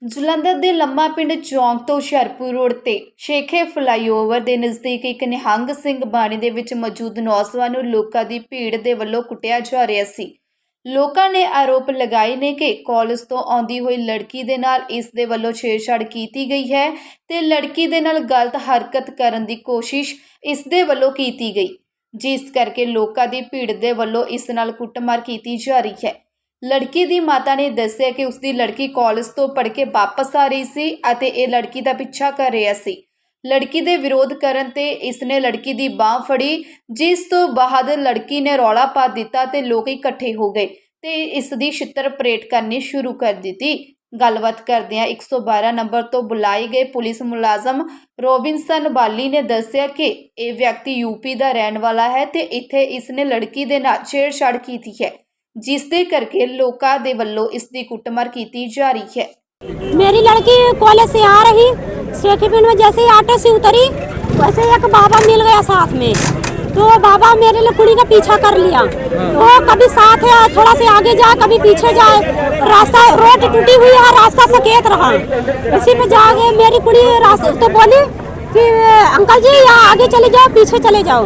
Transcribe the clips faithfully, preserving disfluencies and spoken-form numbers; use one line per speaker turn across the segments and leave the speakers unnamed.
ਜਲੰਧਰ ਦੇ ਲੰਮਾ ਪਿੰਡ ਚੌਂਕ ਤੋਂ ਹੁਸ਼ਿਆਰਪੁਰ ਰੋਡ ਤੇ ਸ਼ੇਖੇ ਫਲਾਈਓਵਰ ਦੇ ਨਜ਼ਦੀਕ ਇੱਕ ਨਿਹੰਗ ਸਿੰਘ ਬਾਣੀ ਦੇ ਵਿੱਚ ਮੌਜੂਦ ਨੌਜਵਾਨ ਨੂੰ ਲੋਕਾਂ ਦੀ ਭੀੜ ਦੇ ਵੱਲੋਂ ਕੁੱਟਿਆ ਜਾ ਰਿਹਾ ਸੀ। ਲੋਕਾਂ ਨੇ ਆਰੋਪ ਲਗਾਏ ਨੇ ਕਿ ਕਾਲਜ ਤੋਂ ਆਉਂਦੀ ਹੋਈ ਲੜਕੀ ਦੇ ਨਾਲ ਇਸ ਦੇ ਵੱਲੋਂ ਛੇੜਛਾੜ ਕੀਤੀ ਗਈ ਹੈ ਤੇ ਲੜਕੀ ਦੇ ਨਾਲ ਗਲਤ ਹਰਕਤ ਕਰਨ ਦੀ ਕੋਸ਼ਿਸ਼ ਇਸ ਦੇ ਵੱਲੋਂ ਕੀਤੀ ਗਈ, ਜਿਸ ਕਰਕੇ ਲੋਕਾਂ ਦੀ ਭੀੜ ਦੇ ਵੱਲੋਂ ਇਸ ਨਾਲ ਕੁੱਟਮਾਰ ਕੀਤੀ ਜਾ ਰਹੀ ਹੈ। ਲੜਕੀ ਦੀ ਮਾਤਾ ਨੇ ਦੱਸਿਆ ਕਿ ਉਸਦੀ ਲੜਕੀ ਕਾਲਜ ਤੋਂ ਪੜ੍ਹ ਕੇ ਵਾਪਸ ਆ ਰਹੀ ਸੀ ਅਤੇ ਇਹ ਲੜਕੀ ਦਾ ਪਿੱਛਾ ਕਰ ਰਿਹਾ ਸੀ। ਲੜਕੀ ਦੇ ਵਿਰੋਧ ਕਰਨ ਤੇ ਇਸਨੇ ਲੜਕੀ ਦੀ ਬਾਹ ਫੜੀ, ਜਿਸ ਤੋਂ ਬਾਅਦ ਲੜਕੀ ਨੇ ਰੌਲਾ ਪਾ ਦਿੱਤਾ ਤੇ ਲੋਕ ਇਕੱਠੇ ਹੋ ਗਏ ਤੇ ਇਸ ਦੀ ਛਿੱਤਰ ਪਰੇਡ ਕਰਨੀ ਸ਼ੁਰੂ ਕਰ ਦਿੱਤੀ। ਗੱਲਬਾਤ ਕਰਦਿਆਂ ਇੱਕ ਸੌ ਬਾਰਾਂ ਨੰਬਰ ਤੋਂ ਬੁਲਾਏ ਗਏ ਪੁਲਿਸ ਮੁਲਾਜ਼ਮ ਰੋਬਿਨਸਨ ਬਾਲੀ ਨੇ ਦੱਸਿਆ ਕਿ ਇਹ ਵਿਅਕਤੀ ਯੂਪੀ ਦਾ ਰਹਿਣ ਵਾਲਾ ਹੈ ਤੇ ਇੱਥੇ ਇਸਨੇ ਲੜਕੀ ਦੇ ਨਾਲ ਛੇੜਛਾੜ ਕੀਤੀ ਹੈ, जिस दे करके लोका दे वल्लों इसकी कुटमार की जा रही है।
मेरी लड़की कॉलेज से आ रही शेखीपुर में, जैसे ही ऑटो से उतरी वैसे एक बाबा मिल गया साथ में, तो बाबा मेरे लिए कुड़ी का पीछा कर लिया। वो कभी साथ है थोड़ा से आगे जाए कभी पीछे जाए, रास्ता रोड टूटी हुई है, रास्ता सकेत रहा। उसी में जाके मेरी कुड़ी रास्ते तो बोली कि अंकल जी यहाँ आगे चले जाओ पीछे चले जाओ।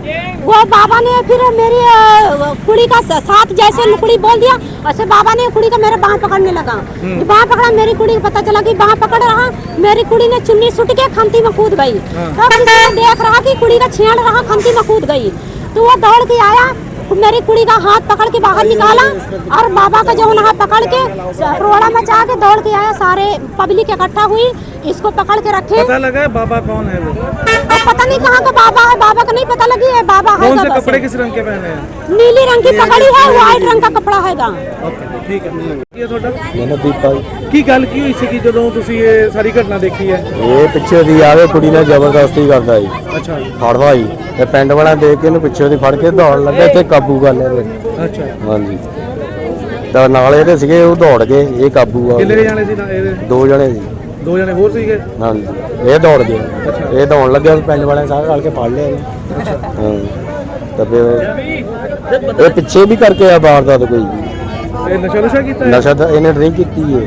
वो बाबा ने फिर मेरी कुड़ी का साथ जैसे कुड़ी बोल दिया वैसे बाबा ने कुड़ी का मेरे बाँह पकड़ने लगा। बाँह पकड़ा, मेरी कुड़ी को पता चला कि बाँह पकड़ रहा, मेरी कुड़ी ने चुन्नी सुट के खंती में कूद गई। तो किसी ने देख रहा कि कुड़ी का छेड़ रहा, खंती में कूद गई, तो वो दौड़ के आया, मेरी कुड़ी का हाथ पकड़ के बाहर निकाला और बाबा का जो हाथ पकड़ के रोड़ा मचा के दौड़ के आया। सारे पब्लिक इकट्ठा हुई, इसको पकड़ के रखे।
पता लगा बाबा कौन है वो?
और पता नहीं कहाँ का बाबा है, बाबा का नहीं पता लगी है। बाबा है
कौन से कपड़े किस रंग के पहने हैं?
नीली रंग की पगड़ी है, व्हाइट रंग का कपड़ा हैगा।
ओके ठीक है। ये ਤੁਹਾਡਾ
ਮੈਨੂੰ ਦੀਪਾ
ਕੀ ਗੱਲ ਕੀ ਹੋਈ ਸੀ ਕਿ ਜਦੋਂ ਤੁਸੀਂ ਇਹ ਸਾਰੀ ਘਟਨਾ ਦੇਖੀ ਹੈ?
ਇਹ ਪਿੱਛੇ ਦੀ ਆਵੇ ਕੁੜੀ ਨਾਲ ਜ਼ਬਰਦਸਤੀ ਕਰਦਾ ਜੀ।
ਅੱਛਾ
ਫੜਵਾ ਜੀ ਤੇ ਪਿੰਡ ਵਾਲਾ ਦੇਖ ਕੇ ਇਹਨੂੰ ਪਿੱਛੇ ਦੀ ਫੜ ਕੇ ਦੌੜ ਲੱਗਾ, ਇੱਥੇ ਕਾਬੂ ਕਰ ਲਿਆ ਇਹਨੇ।
ਅੱਛਾ
ਹਾਂਜੀ ਤਾਂ ਨਾਲ ਇਹਦੇ ਸੀਗੇ, ਉਹ ਦੌੜ ਗਏ, ਇਹ ਕਾਬੂ ਆ।
ਕਿੰਨੇ ਜਾਣੇ ਸੀ ਨਾ ਇਹਦੇ?
ਦੋ ਜਣੇ ਸੀ।
ਦੋ ਜਣੇ ਹੋਰ ਸੀਗੇ?
ਹਾਂਜੀ ਇਹ ਦੌੜ ਗਏ, ਇਹ ਦੌੜਨ ਲੱਗਿਆ, ਪਿੰਡ ਵਾਲਿਆਂ ਸਾਰੇ ਰਲ ਕੇ ਫੜ ਲਿਆ ਇਹਨੂੰ। ਹਾਂ ਤਾਂ ਫਿਰ ਇਹ ਪਿੱਛੇ ਵੀ ਕਰਕੇ ਆ ਵਾਰਦਾਤ ਕੋਈ ਜੀ।
ਇਹ ਨਸ਼ਾ ਨੁਸ਼ਾ ਕੀਤਾ ਹੈ?
ਨਸ਼ਾ ਤਾਂ ਇਹਨੇ ਡਰਿੰਕ ਕੀਤੀ ਹੈ।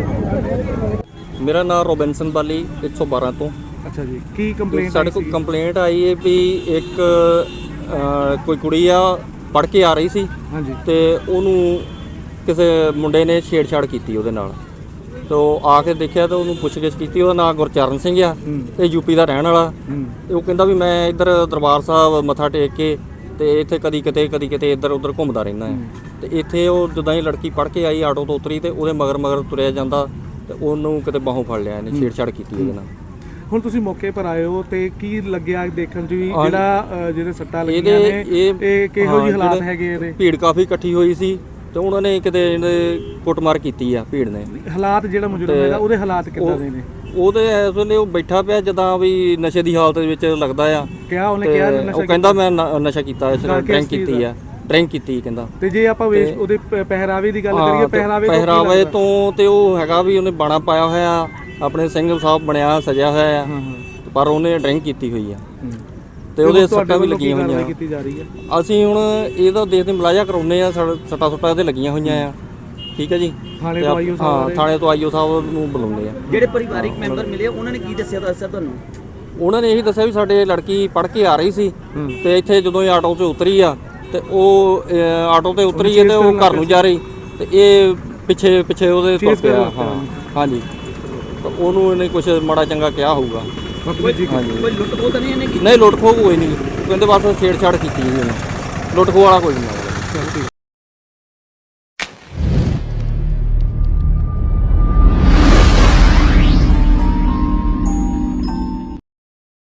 मेरा नाम रोबिनसन बाली एक सौ बारह तो।
ਅੱਛਾ ਜੀ, ਕੀ ਕੰਪਲੇਂਟ
ਸਾਡੇ ਕੋਲ ਕੰਪਲੇਂਟ ਆਈ ਹੈ ਵੀ ਇੱਕ ਅ, ਕੋਈ ਕੁੜੀ ਆ ਪੜ੍ਹ ਕੇ ਆ ਰਹੀ ਸੀ
ਹਾਂਜੀ
ਤੇ ਉਹਨੂੰ ਕਿਸੇ ਮੁੰਡੇ ਨੇ ਛੇੜਛਾੜ ਕੀਤੀ ਉਹਦੇ ਨਾਲ। ਤੇ ਉਹ ਆ ਕੇ ਦੇਖਿਆ ਤਾਂ ਉਹਨੂੰ ਪੁੱਛਗਿੱਛ ਕੀਤੀ। ਉਹਦਾ ਨਾਮ ਗੁਰਚਰਨ ਸਿੰਘ ਆ ਤੇ ਯੂਪੀ ਦਾ ਰਹਿਣ ਵਾਲਾ। ਤੇ ਉਹ ਕਹਿੰਦਾ ਵੀ ਮੈਂ ਇੱਧਰ ਦਰਬਾਰ ਸਾਹਿਬ ਮੱਥਾ ਟੇਕ ਕੇ ਤੇ ਇੱਥੇ ਕਦੀ ਕਿਤੇ ਕਦੀ ਕਿਤੇ ਇੱਧਰ ਉੱਧਰ ਘੁੰਮਦਾ ਰਹਿੰਦਾ ਹੈ। ਤੇ ਇੱਥੇ ਉਹ ਜਦੋਂ ਹੀ ਲੜਕੀ ਪੜ੍ਹ ਕੇ ਆਈ ਆਟੋ ਤੋਂ ਉਤਰੀ ਤੇ ਉਹਦੇ ਮਗਰ ਮਗਰ ਤੁਰਿਆ ਜਾਂਦਾ ਤੇ ਉਹਨੂੰ ਕਿਤੇ ਬਾਹੋਂ ਫੜ ਲਿਆ, ਇਹਨੇ ਛੇੜਛਾੜ ਕੀਤੀ ਉਹਦੇ ਨਾਲ।
ਹੁਣ ਤੁਸੀਂ ਮੌਕੇ ਪਰ ਆਏ ਹੋ ਤੇ ਕੀ ਲੱਗਿਆ ਦੇਖਣ 'ਚ ਵੀ ਜਿਹੜਾ ਅ, ਜਿਹਦੇ ਸੱਟਾਂ ਲੱਗੀਆਂ
ਇਹਦੇ
ਨੇ
ਇਹ
ਇਹ ਕਿਹੋ ਜਿਹੇ
ਹਾਂ,
ਹਾਲਾਤ
ਜਿਹੜੇ
ਹੈਗੇ ਇਹਦੇ?
ਭੀੜ ਕਾਫੀ ਇਕੱਠੀ ਹੋਈ ਸੀ ਤੇ ਉਹਨਾਂ ਨੇ ਕਿਤੇ ਇਹਦੇ ਕੁੱਟਮਾਰ ਕੀਤੀ ਆ ਭੀੜ ਨੇ।
ਹਾਲਾਤ ਜਿਹੜਾ ਮੁਜਰਮ ਹੈਗਾ ਉਹਦੇ ਹਾਲਾਤ ਕਿੱਦਾਂ ਦੇ ਨੇ?
ਉਹਦੇ ਇਸ ਵੇਲੇ ਉਹ ਬੈਠਾ ਪਿਆ ਜਦਾਂ ਵੀ ਨਸ਼ੇ ਦੀ ਹਾਲਤ ਵਿੱਚ ਲੱਗਦਾ ਆ।
ਕਿਹਾ ਉਹਨੇ
ਤੇ
ਕਿਹਾ
ਉਹ ਕਹਿੰਦਾ ਮੈਂ ਨ- ਨਸ਼ਾ ਕੀਤਾ, ਇਸ
ਗੱਲ ਕਿਸ
ਡਰਿੰਕ
ਚੀਜ਼
ਕੀਤੀ
ਦਾ?
ਆ, ਡਰਿੰਕ ਕੀਤੀ ਕਹਿੰਦਾ।
ਤੇ ਜੇ ਆਪਾਂ ਵੇਸ਼ ਉਹਦੇ ਪ- ਪਹਿਰਾਵੇ ਦੀ ਗੱਲ
ਹਾਂ,
ਕਰੀਏ,
ਤੇ
ਪਹਿਰਾਵੇ ਤੋਂ ਕੀ
ਪਹਿਰਾਵੇ
ਲੱਗਦਾ?
ਤੋਂ ਤੇ ਉਹ ਹੈਗਾ ਵੀ ਉਹਨੇ ਬਾਣਾ ਪਾਇਆ ਹੋਇਆ, ਆਪਣੇ ਸਿੰਘ ਸਾਹਿਬ ਬਣਿਆ ਸਜਿਆ ਹੋਇਆ ਆ,
ਹਾਂ ਹਾਂ
ਪਰ ਉਹਨੇ ਡਰਿੰਕ ਕੀਤੀ ਹੋਈ ਆ
ਹੂੰ।
ਤੇ ਉਹਦੇ
ਹੁਣ ਤੁਹਾਡੇ
ਸੱਟਾਂ ਵੀ
ਵੱਲੋਂ ਕੀ
ਲੱਗੀਆਂ
ਕਾਰਵਾਈ
ਹੋਈਆਂ।
ਕੀਤੀ ਜਾ ਰਹੀ ਹੈ?
ਅਸੀਂ ਹੁਣ ਇਹਦਾ ਦੇਖਦੇ ਮੁਲਾਜ਼ਾ ਕਰਾਉਨੇ ਆ, ਸੱਟਾਂ ਸੁੱਟਾਂ ਇਹਦੇ ਲੱਗੀਆਂ ਹੋਈਆਂ ਆ। ਠੀਕ ਹੈ ਜੀ,
ਥਾਣੇ
ਤੇ
ਤੋਂ
ਆਪ-
ਆਈਓ ਸਾਹਿਬ
ਹਾਂ
ਬਾਰੇ?
ਥਾਣੇ ਤੋਂ ਆਈਓ ਸਾਹਿਬ ਨੂੰ ਬੁਲਾਉਂਦੇ ਆ।
ਜਿਹੜੇ ਪਰਿਵਾਰਿਕ ਮੈਂਬਰ ਮਿਲੇ ਉਹਨਾਂ ਨੇ ਕੀ ਦੱਸਿਆ ਦੱਸਿਆ ਤੁਹਾਨੂੰ?
ਉਹਨਾਂ ਨੇ ਇਹੀ ਦੱਸਿਆ ਵੀ ਸਾਡੇ ਲੜਕੀ ਪੜ੍ਹ ਕੇ ਆ ਰਹੀ ਸੀ ਤੇ ਇੱਥੇ ਜਦੋਂ ਇਹ ਆਟੋ 'ਚ ਉਤਰੀ ਆ ਤੇ ਉਹ ਅ, ਆਟੋ ਤੇ ਉਤਰੀ ਹੈ ਤੇ ਉਹ ਘਰ ਨੂੰ ਜਾ ਰਹੀ ਤੇ ਇਹ ਪਿੱਛੇ ਪਿੱਛੇ ਉਹਦੇ ਤੁਰ ਪਿਆ। ਹਾਂ ਹਾਂਜੀ, ਤਾਂ ਉਹਨੂੰ ਇਹਨੇ ਕੁਝ ਮਾੜਾ ਚੰਗਾ ਕਿਹਾ ਹੋਊਗਾ। ਹਾਂਜੀ
ਕੋਈ ਲੁੱਟ ਖੋਹ ਤਾਂ ਨਹੀਂ ਇਹਨੇ ਕੀਤੀ?
ਨਹੀਂ ਲੁੱਟ ਖੋਹ ਕੋਈ ਨਹੀਂ, ਕਹਿੰਦੇ ਬਸ ਛੇੜਛਾੜ ਕੀਤੀ ਇਹਨੇ, ਲੁੱਟ ਖੋਹ ਵਾਲਾ ਕੋਈ ਨਹੀਂ।